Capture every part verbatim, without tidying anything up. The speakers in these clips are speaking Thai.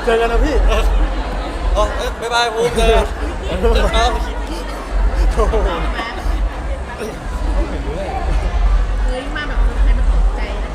เจอกันนะพี่อ๋อบ๊ายบายภูมิเจอกันเอาโอ้โหเฮ้ยมาแบบคนไทยมันตกใจนะ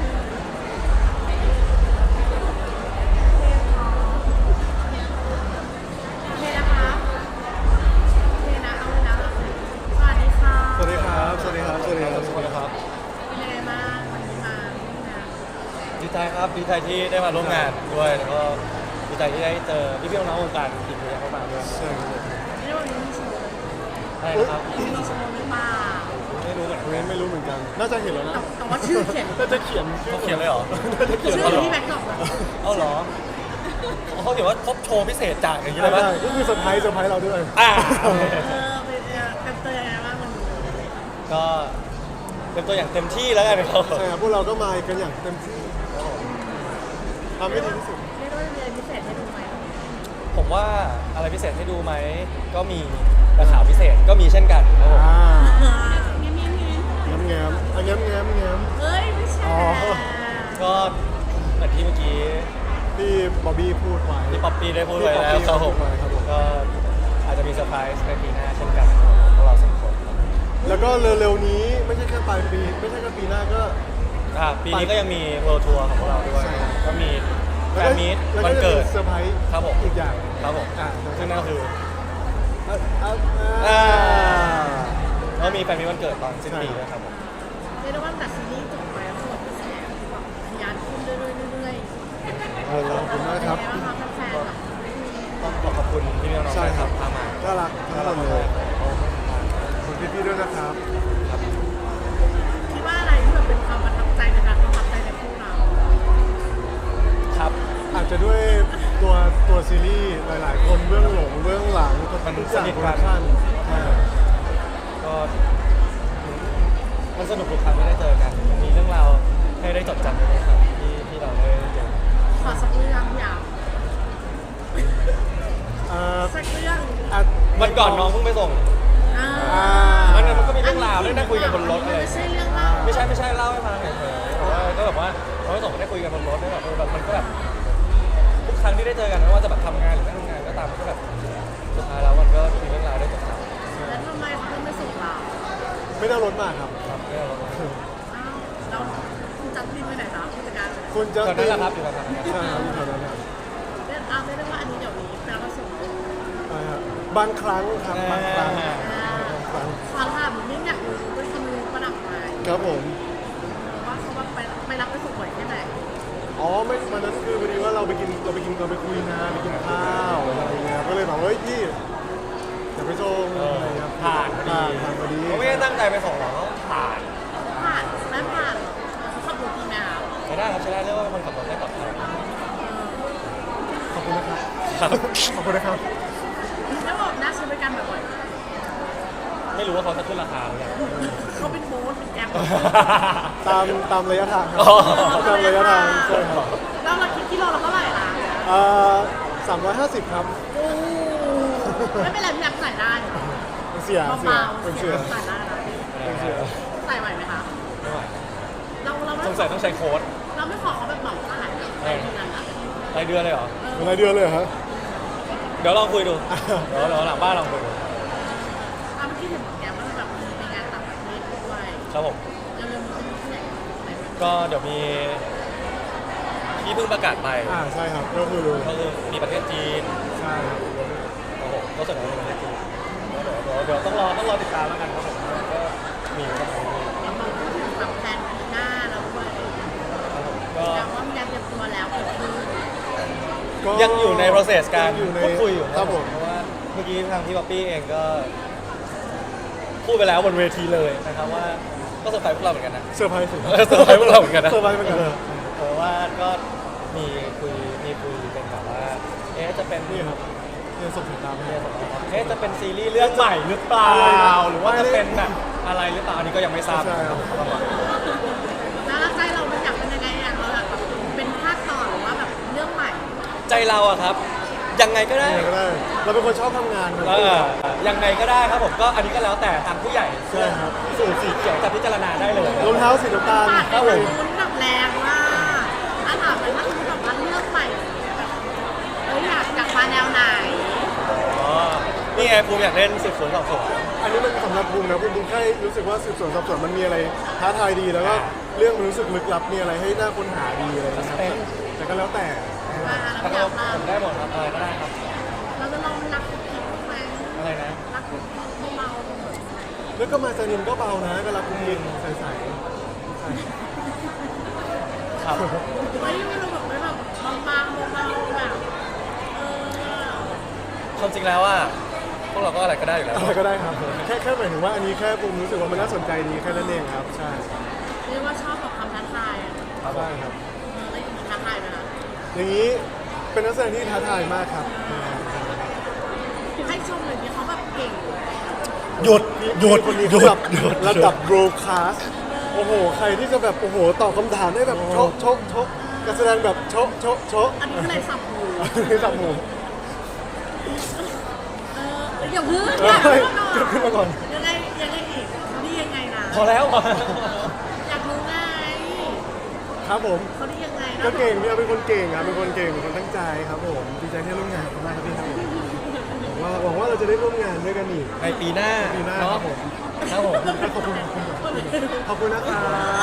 โอเคนะคะโอเคนะเอาเลยนะสวัสดีค่ะสวัสดีครับสวัสดีครับสวัสดีครับสวัสดีครับเป็นยังไงบ้างวันนี้มาที่งานดีใจครับดีใจที่ได้มาร่วมงานด้วยแล้วก็ดีใจที่ได้เจอพี่พี่น้องๆวงการอีกเยอะมากๆด้วยใช่ครับไม่รู้วันนี้มีโชว์ใช่ครับมีโชว์หรือเปล่าไม่รู้เหมือนเว้นไม่รู้เหมือนกัน น่าจะเห็นแล้วนะแต่แต่ว่าชื่อเขียนน่าจะเขียนเขาเขียนเลยเหรอชื่อที่แบ็คดรอปเลยเอาเหรอเขาเขียนว่าพบโชว์พิเศษจากอย่างนี้เลยใช่ปะก็คือเซอร์ไพรส์เซอร์ไพรส์เราด้วยอ่าเออเป็นเป็นเตยยังไงบ้างวันนี้ก็เป็นตัวอย่างเต็มที่แล้วกันครับใช่ครับพวกเราก็มากันอย่างเต็มที่ทำให้ดีที่สุดเรียกว่ามีอะไรพิเศษให้ดูไหมผมว่าอะไรพิเศษให้ดูไหมก็มีแต่ข่าวพิเศษก็มีเช่นกันครับผมอ่าเงี้ยเงี้ยเงี้ยแง้มแง้มอ่ะแง้มแง้มแง้มเฮ้ยไม่ใช่อ๋อก็เหมือนที่เมื่อกี้ที่บ๊อบบี้พูดไว้ที่ป๊อปปี้ได้พูดไว้ที่แล้วป๊อปปี้ครับผมพูดไว้ครับผมก็อาจจะมีเซอร์ไพรส์ในปีหน้าเช่นกันพวกเราสองคนครับแล้วก็เร็วๆนี้ไม่ใช่แค่ปลายปี ไม่ใช่แค่ปีหน้าก็อ่าปีนี้ก็ยังมีเวิลด์ทัวร์ของพวกเราด้วยใช่ก็มีแฟแล้วนมีตแล้ววันจะเกิดมีเซอร์ไพรส์ครับผมอีกอย่างครับผมอ่าซึ่งนั่นก็คืออ่ะอ่ะอ่าอ่าก็มีแฟนมีตวันเกิดตอนสิ้นปีด้วยครับผมเรียกได้ว่าแต่ซีรีส์จบไปแล้วส่วนกระแสแบบทะยานขึ้นเรื่อยๆเรื่อยๆเออขอบคุณมากครับเป็นไงางคะแฟนๆแบบต้องขอขอบคุณพี่น้องๆใช่ครับพามาน่ารักทั้งหมดเลยขอบคุณพี่ๆด้วยนะครับคิดว่าอะไรที่แบบเป็นความประทับใจในการประทับใจในคู่เราครับอาจจะด้วยตัวตัวซีรีส์หลาย ๆ คนเบื้องหลงเบื้องหลังมันทุกอย่างสนิทโปรกัดันกชั่นใช่ก็มันสนุกทุกครั้งที่ได้เจอกัน มีเรื่องราวให้ได้จดจำด้วยครับที่ที่เราได้เจอขอสักเรื่องอยากอ่าสักเรื่องอ่ะวันก่อนน้องเพิ่งไปส่งอ่าอ่ามันมันก็มีเรื่องราวได้นั่งคุยกันบนรถอะไรไม่ใช่เรื่องเล่าไม่ใช่ไม่ใช่เล่าให้ฟังเฉยๆแต่ว่าก็แบบว่าเราไปส่งก็ได้คุยกันบนรถได้แบบเออแบบมันก็แบบทุกครั้งที่ได้เจอกันไม่ว่าจะแบบทำงานหรือไม่ทำงานก็ตามมันก็แบบสุดท้ายแล้วมันก็มีเรื่องราวได้จดจำแล้วทำไมเขาถึงไม่ส่งเราไม่ได้เอารถมาครับครับไม่เอาแล้วอ้าวเราคุณจัดบินไปไหนคะผู้จัดการคุณจะตอนนั้นแหละครับอยู่กับทางใช่ครับอยู่แถวนั้นครับเรื่องเอาไม่ได้ว่าอันนี้เดี๋ยวนี้แปลว่าส่งใช่ครับบางครั้งครับบางครั้งอ่าบางครั้งขอถามนิดนึงอยากรู้ว่าทำไมประดับไม้ครับผมว่าเขาว่าไปไปรับไปส่งบ่อยแค่ไหนอ๋อไม่วันนั้นคือพอดีว่าเราไปกินเราไปกินเราไปคุยงานไปกินข้าวอะไรอย่างเงี้ยก็เลยบอกเฮ้ยพี่อย่าไปส่งอะไรเงี้ยผ่านพอดีผ่านพอดีเขาไม่ได้ตั้งใจไปส่งหรอกเขาผ่านผ่านไม่ผ่านหรอกเขาขับรถดีไหมคะไม่ได้ครับใช้ได้เรียกว่าคนขับรถได้ปลอดภัยขอบคุณนะครับครับขอบคุณนะครับแล้วบอกน่าใช้บริการบ่อยไม่รู้ว่าเขาจะขึ้นราคาหรือยังๆเขาเป็นโบ๊ทเป็นแก๊ปตามตามระยะทางครับอ๋อตามระยะทางใช่ครับแล้วเราคิดกิโลเราเท่าไหร่ล่ะเอ่อสามร้อยห้าสิบครับโอ้ไม่เป็นไรพี่แอมใส่ได้เป็นเสียเสียเบาเป็นๆเสีเสียยใส่ได้นะเป็นเสียใส่ไหวไหมคะไม่ไหวเราเราไม่สงสัยต้องใช้โค้ดเราไม่ขอเขาแบบเหมาอาหารในที่นั้นอ่ะรายเดือนเลยเหรอเป็นรายเดือนเลยเหรอครับเดี๋ยวลองคุยดู เดี๋ยวเดี๋ยวหลังบ้านลองคุยดูอ่ะเมื่อกี้เห็นบอกแกว่าแบบมีไปงานต่างประเทศด้วยครับผมแล้วเรื่องมันที่ไหนไหนบ้างก็เดี๋ยวมีที่เพิ่งประกาศไปอ่าใช่ครับก็คือก็คือมีประเทศจีนใช่ครับครับผมก็ส่วนใหญ่เป็นประเทศจีนแล้วเดี๋ยวเดี๋ยวเดี๋ยวต้องรอต้องรอติดตามแล้วกันครับผมก็มีครับผมเรามาพูดถึงแบบแผนปีหน้าแล้วด้วยครับผมก็แต่ว่ามีการเตรียมตัวแล้วเกิดขึ้นก็ยังอยู่ใน process การยังอยู่ในพูดคุยอยู่ครับผมเพราะว่าเมื่อกี้ทางพี่ป๊อปปี้เองก็พูดไปแล้วบนเวทีเลยนะครับว่าก็เซอร์ไพรส์พวกเราเหมือนกันนะเซอร์ไพรส์สุดเออเซอร์ไพรส์พวกเราเหมือนกันนะเซอร์ไพรส์เหมือนกันเพราะว่าก็มีคุยมีคุยเป็นแบบว่าเอ๊ะจะเป็นนี่ครับเนี่ยส่งสายตาไปเอ๊ะเอ๊ะจะเป็นซีรีส์เรื่องใหม่หรือเปล่า หรือว่าจะเป็นแบบอะไรหรือเปล่าอันนี้ก็ยังไม่ทราบใช่ครับแล้วใจเรามันอยากเป็นยังไงอ่ะเราอยากแบบเป็นภาคต่อหรือว่าแบบเรื่องใหม่ใจเราอะครับ ยังไงก็ได้ยังไงก็ได้ เราเป็นคนชอบทำงานครับเออยังไงก็ได้ครับผมก็อันนี้ก็แล้วแต่ทางผู้ใหญ่ใช่ครับสูตรสีเขียวจะพิจารณาได้เลยรองเท้าสีน้ำตาลปาดครับไปผมลุ้นแบบแรงมากถ้าถามไปว่าคือแบบว่าเรื่องใหม่แบบมาแนวไหนอ๋อนี่ไงภูมิอยากเล่นสืบสวนสอบสวนอันนี้มันสำหรับบูมนะบูมบูมแค่รู้สึกว่าสืบสวนสอบสวนมันมีอะไรท้าทายดีแล้วก็เรื่องมันรู้สึกลึกลับมีอะไรให้น่าค้นหาดีอะไรนะครับเป็นแต่ก็แล้วแต่มาถ้าแล้วอเรายากมาผมได้หมดครับอะไรก็ได้ครับเราจะลองรักคุกกิ๊กไหมอะไรนะรักคุกกิ๊กเบาๆแล้วก็มาจานินก็เบานะก็รักคุณยิงใสๆครับเฮ้ยไม่รู้แบบไม่แบบบางๆเบาๆแบบเออความจริงแล้วว่าพวกเราก็อะไรก็ได้อยู่แล้วอะไรก็ได้ครับแค่แค่หมายถึงว่าอันนี้แค่บูมรู้สึกว่ามันน่าสนใจดีแค่นั้นเองครับใช่เรียกว่าชอบกับความท้าทายอ่ะใช่ครับเออแล้วอย่างนี้ท้าทายไหมล่ะอย่างนี้เป็นนักแสดงที่ท้าทายมากครับให้ชมเลยที่เขาแบบเก่งหยุดหยุดคนนี้หยุระดัดบหยุดระดับโบรคาสโอ้โห ใครที่จะแบบโอ้โหตอบคำถามได้แบบโชกโชกโชกการแสดงแบบโชกโชกโชกอันนี้คืออะไรสับหูนี่สับหมูเอออย่าพึ่งเฮ้อย่าย พึ่งขึ้นมาก่อนยังไงยังไงอีกเขาดียังไงนะพอแล้วอยากรู้ไงครับผมเขาดียังไงนะก็เก่งพี่เอาเป็นคนเก่งครับเป็นคนเก่งเป็นคนตั้งใจครับผมดีใจที่ร่วมงานกันมากครับพี่ครับผมหวังว่าหวังว่าเราจะได้ร่วมงานด้วยกันอีกในปีหน้าปีหน้าเนาะครับผมครับผมขอบคุณขอบคุณนะครับ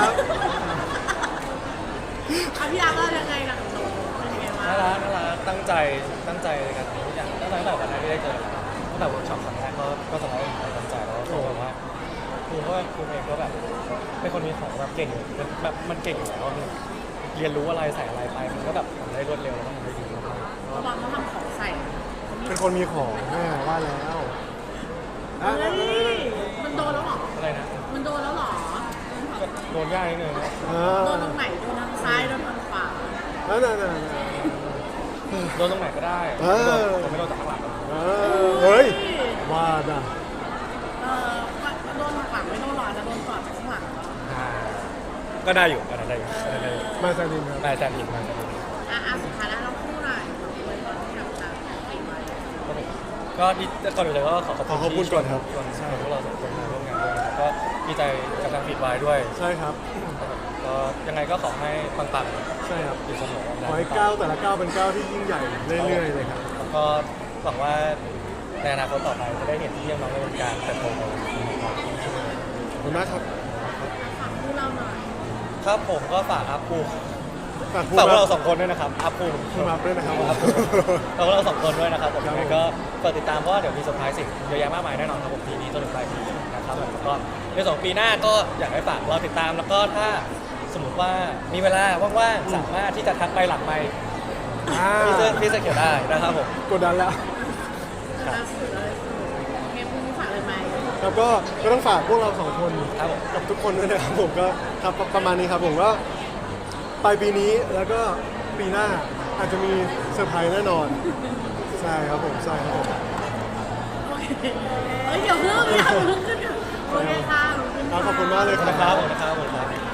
เอาพี่อาร์ตว่ายังไงล่ะหนูเป็นยังไงวะน่ารักน่ารักตั้งใจตั้งใจในการทำทุกอย่างตั้งแต่ตั้งแต่วันแรกที่ได้เจอตั้งแต่เวิร์กช็อปครั้งแรกก็ก็จะได้ตั้งใจแล้วก็แบบว่าครูก็ครูเองก็แบบเป็นคนมีของแบบเก่งมันแบบมันเก่งอยู่แล้วมันเรียนรู้อะไรใส่อะไรไปมันก็แบบทำได้รวดเร็วแล้วก็ทำได้ดีมากระวังเขาทำของใส่เป็นคนมีของแม่ว่าแล้วอ่ะเฮ้ยมันโดนแล้วเหรอๆอะไรนะมันโดนแล้วเหรอก็โดนยากนิดนึงนะอ่าโดนตรงไหน โดนทางซ้าย โดนทางขวานั่นนั่นนั่นโดนตรงไหนก็ได้เออผมไม่โดนจากข้างหลังเออเฮ้ยว่าด่ะเออโดนทางหลังไม่โดนหรอกจะโดนก่อนจากข้างหลังเหรออ่าก็ได้อยู่ก็ได้อยู่ก็ได้อยู่มาจานินครับได้แซนอินมาแซนอินอ่ะอ่ะสุดท้ายแล้วเราคู่หน่อยไว้ตอนที่แบบจะปีใหม่ก็ดีก่อนอื่นเลยก็ขอขอบขอขอบคุคุณ ณก่อนครับชวนพวกเราสองคนมาร่วมงานด้วยนะครับก็ดีใจกับทางฟีดไวด้วยใช่ครับก็ยังไงก็ขอให้ปังใช่ครับๆอยู่เสมอขอให้ก้าวแต่ละก้าวเป็นก้าวที่ยิ่งใหญ่เรื่อยๆเลยครับแล้วก็หวังว่าในอนาคตต่อไปจะได้เห็นที่ยังน้องในวงการเติบโตไปขอบคุณมากครับฝากคู่เราหน่อยครับผมก็ฝากอัพภูมิฝากพูดฝากพวกมาเราสองคนด้วยนะครับอัพภูมิพูดมาด้วยนะครับฝากพวกเราสองคนด้วยนะครับผมครับยังไงก็ฝากติดตามเพราะว่าเดี๋ยวมีเซอร์ไพรส์สิ่งเยอะแยะมากมายแน่นอนครับผมปีนี้จนถึงปลายปีนะครับผมแล้วก็ในสองปีหน้าก็อยากให้ฝากเราติดตามแล้วก็ถ้าสมมติว่ามีเวลาว่างๆสามารถที่จะทักไปหลังไมค์อ่าพี่เสื้อพี่เสื้อเขียวได้นะครับผมกดดันแล้วล่าสุดเลยเกมพรุ่งนี้ฝากเลยไหมแล้วก็ก็ต้องฝากพวกเราสองคนครับผมกับทุกคนด้วยนะครับผมก็ครับประมาณนี้ครับผมก็ปลายปีนี้แล้วก็ปีหน้าอาจจะมีเซอร์ไพรส์แน่นอน ใช่ครับผมใช่ครับผมโอเคเอ้ยเดี๋ยวเพิ่งอย่าเพิ่งขึ้นโอเคค่ะครับขอบคุณมากเลยคนะครัรับบ ผมนะครับผมครับ